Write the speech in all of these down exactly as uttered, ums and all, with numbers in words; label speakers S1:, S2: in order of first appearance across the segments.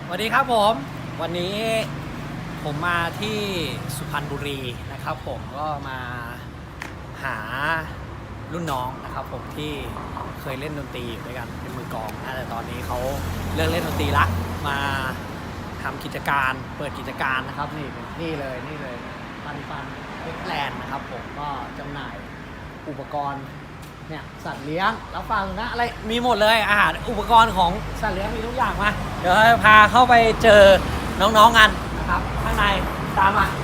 S1: สวัสดีครับผมวันนี้ผมมาที่สุพรรณบุรีนะครับผมก็มาหารุ่นน้องนะครับผมที่เคยเล่นดนตรีอยู่ด้วยกันเป็นมือกลองนะแต่ตอนนี้เขาเลิกเล่นดนตรีละมาทำกิจการเปิดกิจการนะครับนี่นี่เลยนี่เลยปันปันเอ็กแลนด์นะครับผมก็จำหน่ายอุปกรณ์เนี่ยสัตว์เลี้ยงแล้วฟังนะอะไรมีหมดเลยอาหารอุปกรณ์ของสัตว์เลี้ยงมีทุกอย่างมาเดี๋ยวพาเข้าไปเจอน้องๆกันนะครับข้างในตามมา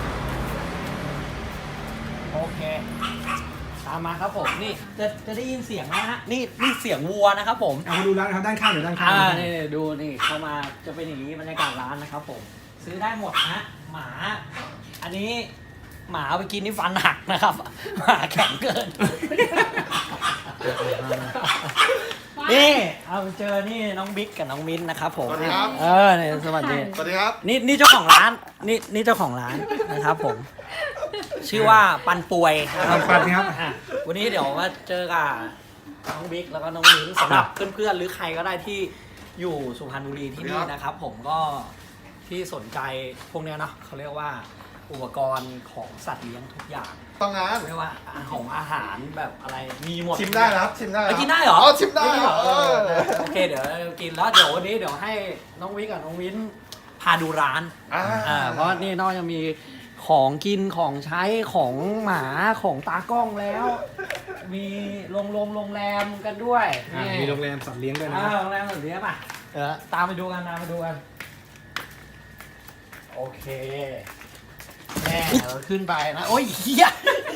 S1: โอเคตามมาครับผมนี่จะจะได้ยินเสียงนะฮะนี่นี่เสียงวัวนะครับผม
S2: เอามาดูร้านครับด้านข้างหรือด้านข้าง
S1: อ่านี่ดูนี่เข้ามาจะเป็นอย่างนี้บรรยากาศร้านนะครับผมซื้อได้หมดนะหมาอันนี้หมาเอาไปกินนี่ฟันหักนะครับหมาแข็งเกิน นี่เอาไปเจอนี่น้องบิ๊กกับน้องมิ้นนะครับผม
S3: สวัสดีครับ
S1: เออเนี่ยสวัสดี
S3: สวัสดีครับ
S1: นี่นี่เจ้าของร้านนี่นี่เจ้าของร้านนะครับผมชื่อว่าปันป่วยนะครับ
S2: ปันครับ
S1: อ่ะวันนี้เดี๋ยวมาเจอกับน้องบิ๊กแล้วก็น้องมิ้นสำหรับเพื่อนๆหรือใครก็ได้ที่อยู่สุพรรณบุรีที่นี่นะครับ ผมก็ที่สนใจพวกเนี้ยเนาะเขาเรียกว่าอุปกรณ์ของสัตว์เลี้ยงทุกอย่าง
S3: ต้องงาน
S1: เรียกว่าของอาหารแบบอะไรมีหมด
S3: ชิมได้นะครับชิมได้
S1: ไปกินได้เหรอ
S3: อ๋อชิมได้
S1: เหรอ
S3: เออ
S1: โอเคเดี๋ยวกินแล้วเดี๋ยววันนี้เดี๋ยวให้น้องวิกกับน้องวินพาดูร้าน
S3: อ่า
S1: อ่าเพราะนี่นอกจากมีของกินของใช้ของหมาของตากล้องแล้ว มีโรงโรงโรงแรมกันด้วย
S2: อ่ามีโรงแรมสัตว์เลี้ยงด้วยนะ
S1: อ่าโรงแรมแบบนี้ป่ะเดี๋ยวตามไปดูกันตามไปดูกันโอเคแม่เราขึ้นไปนะโอ้ยเฮีย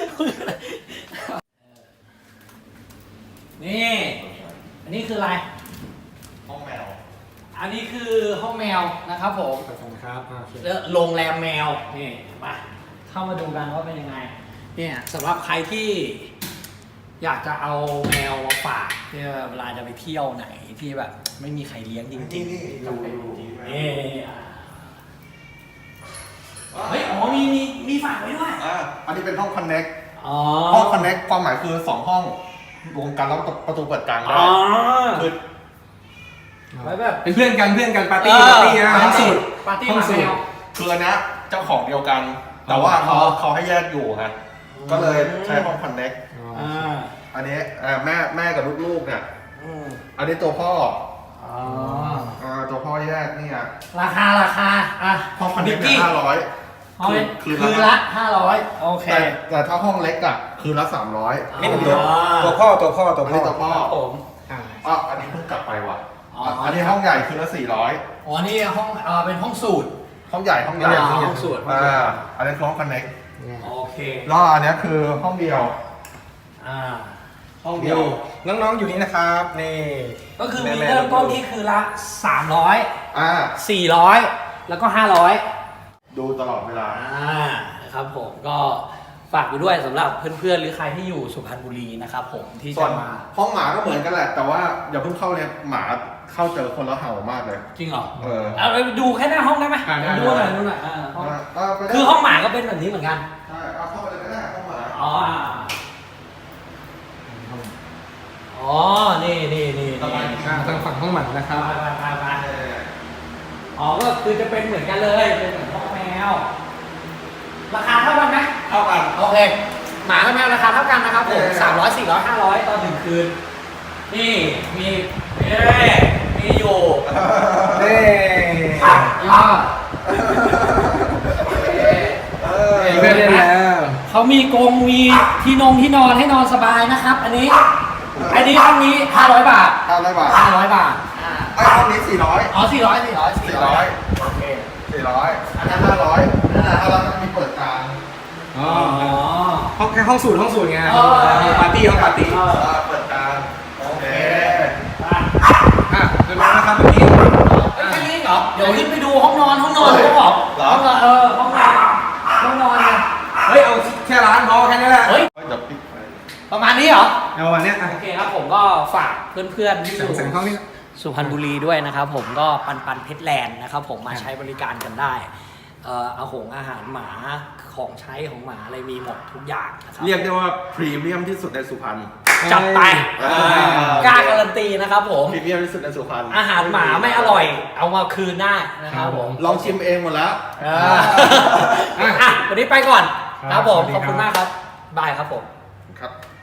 S1: นี่อันนี้คืออะไร
S3: ห้องแมว
S1: อันนี้คือห้องแมวนะครับผม
S2: ขอบคุณครับอ่าโอเค
S1: แล้วโรงแรมแมวนี่มาเข้ามาดูกันว่าเป็นยังไงเนี่ยสำหรับใครที่อยากจะเอาแมวมาฝากที่เวลาจะไปเที่ยวไหนที่แบบไม่มีใครเลี้ยงจริงๆ
S3: นี่ดูดู
S1: นี่เฮ้ยอ๋อมีมีมีฝากไว้ด้วย
S3: อ่าอันนี้เป็นห้องคอนเน็ก
S1: อ๋อ
S3: ห้องคอนเน็กความหมายคือสองห้องรวมกันแล้วประตูเปิดกลางได้
S1: อ๋อ
S3: คือ
S1: ไว้แบบ
S2: เป็นเพื่อนกันเพื่อนกันปาร์ตี้ปาร์ตี้นะ
S1: ปา
S2: ห้อง
S1: ร์ตี้
S2: สูตร
S1: ปาร์ตี้
S2: ห้องสูตร
S1: แมว
S3: คืออันเนี้ยเจ้าของเดียวกัน แต่ว่าเขา
S1: อ๋อ
S3: เขาให้แยกอยู่ฮะก็เลยใช้ห้องคอนเน็ก
S2: อ๋อ
S1: อ่า
S3: อันนี้เอ่อแม่แม่กับลูกๆเนี่ย
S1: อืม
S3: อันนี้ตัวพ่อ
S1: อ๋อ
S3: อ่าตัวพ่อแยกนี่อ่ะ
S1: ราคาราคาอ่ะ
S3: ห้องคอนเน็กเนี่ยห้าร้อย
S1: ห้อง
S3: คืน
S1: คืนละห้าร้อยโอเค
S3: แต่แต่ถ้าห้องเล็กอ่ะคืนละสามร้อย
S2: นี่เป็นตัวตัวพ่อตัวพ่อตัว
S3: อัน
S2: พ่อ
S3: นี้ตัวพ่อ
S1: ครับผม
S2: อ่า
S3: อ๋ออันนี้เพิ่งกลับไปว่ะ
S1: อ๋อ
S3: อ่ะอันนี้ห้องใหญ่คืนละสี่ร้อย
S1: อ๋อนี่ห้องเออเป็นห้องสูตร
S3: ห้องใหญ่ห้องใหญ่
S1: อ๋อห้องสูตร
S3: อ่าอันนี้คือห้องคอนเน็ก
S1: โอเค
S3: แล้วอันนี้คือห้องเดียว
S1: อ่า
S3: ห้องเดียว
S2: นี่น้องๆอยู่นี่นะครับนี่
S1: ก็คือมี
S2: แๆ
S1: เริ่มต้นที่คือละสามร้อย
S3: อ่า
S1: สี่ร้อยแล้วก็ห้าร้อย
S3: ดูตลอดเวลา
S1: อ่านะครับผมก็ฝากไปด้วยสำหรับเพื่อนๆหรือใครที่อยู่สุพรรณบุรีนะครับผมที่
S3: ส่ว
S1: จะ
S3: น
S1: มา
S3: ห้องหมาก็เหมือนกันแหละ แต่ว่าอย่าเพิ่งเข้าเนี่ยหมาเข้าเจอคนแล้วเห่ามากเลย
S1: จริงเหรอ
S3: เออ
S1: เอาไปดูแค่หน้าห้องได้ไหม
S2: อ่าได้
S1: ดูหน่อยดูหน่อยอ่าห้อง
S3: อ่าอ่าไปได้
S1: คือห้องหมาก็เป็นแบบนี้เหมือนกัน
S3: ใช่เอาเข้าไปเลยก็ได้ห้องหมา
S1: อ๋ออ่าอ๋อ นี่นี่นี่นี่
S2: อ่าทางฝั่งห้องหมันนะครับ
S1: ไปไปไปไปอ๋อ ก็คือจะเป็นเหมือนกันเลย เป็นเหมือนห้องแมว ราคาเท่ากันไหม
S3: เท่ากัน
S1: โอเค หมากับแมวราคาเท่ากันนะครับผมสามร้อยสี่ร้อยห้าร้อยตอนถึงคืน นี่ มีเอ๊ะมีอยู่
S2: เน่
S1: ยอด
S3: เออ
S2: มีเพื่อนเล่นแล้ว
S1: เขามีกรงมีที่นงที่นอนให้นอนสบายนะครับ อันนี้ อันนี้ห้องนี้ห้าร้อยบาท
S3: ห้าร้อยบาท
S1: ห้าร้อยบาท อ่า
S3: ไอ้ห้องนี้สี่ร้อย
S1: อ๋อสี่ร้อยสี่ร้อย
S3: สี่ร้อย
S1: โอเค
S3: สี่ร้อยอันนั้นห้าร้อยอันนั้นห้าร้อยมันมีเปิดกลาง
S2: อ๋อ
S1: อ๋อ
S2: ห้องแค่ห้องสูตรห้องสูตรไง
S1: เออ
S2: ห้องปาร์ตี้ห้องปาร์ตี้
S1: เออ
S3: อ่าเปิดกลางโอเค
S1: อ่ะ
S2: อ่ะเรียบร้อยนะครับวันนี้
S1: แค่นี้เหรอ เดี๋ยวขึ้นไปดูห้องนอนห้องนอนเขาบอกห้องนอนเออห้องนอนห้องนอนไง
S2: เฮ้ยเอาแค่ร้านพอแค่นี้แหละ
S1: เฮ้ย
S3: เดี๋ยวปิดไฟ
S1: ประมาณนี้เหรอ
S2: เอาวันเนี้ยอ่ะ
S1: โอเคครับผมก็ฝากเพื่อนๆที่อ
S2: แสง
S1: ยู่
S2: แสงห้องนี้
S1: สุพรรณบุรีด้วยนะครับผมก็ปันปันเพชรแลนด์นะครับผมมาใช้บริการกันได้เอ่อเอาหงอาหารหมาของใช้ของหมาอะไรมีหมดทุกอย่างนะครับ
S3: เรียกได้ว่าพรีเมียมที่สุดในสุพรรณ
S1: จัดไป
S3: อ่า
S1: กล้าการันตีนะครับผม
S3: พรีเมียมที่สุดในสุพรรณ
S1: อาหารหมาไม่อร่อย เอามาคืนได้นะครับผม
S3: ลองชิมเองหมดแล้ว
S1: อ่าอ่ะวันนี้ไปก่อนครับผม
S4: สวัสดี
S1: ขอบคุณ
S4: ครับ
S1: มากครับ บายครับผม
S3: ครับ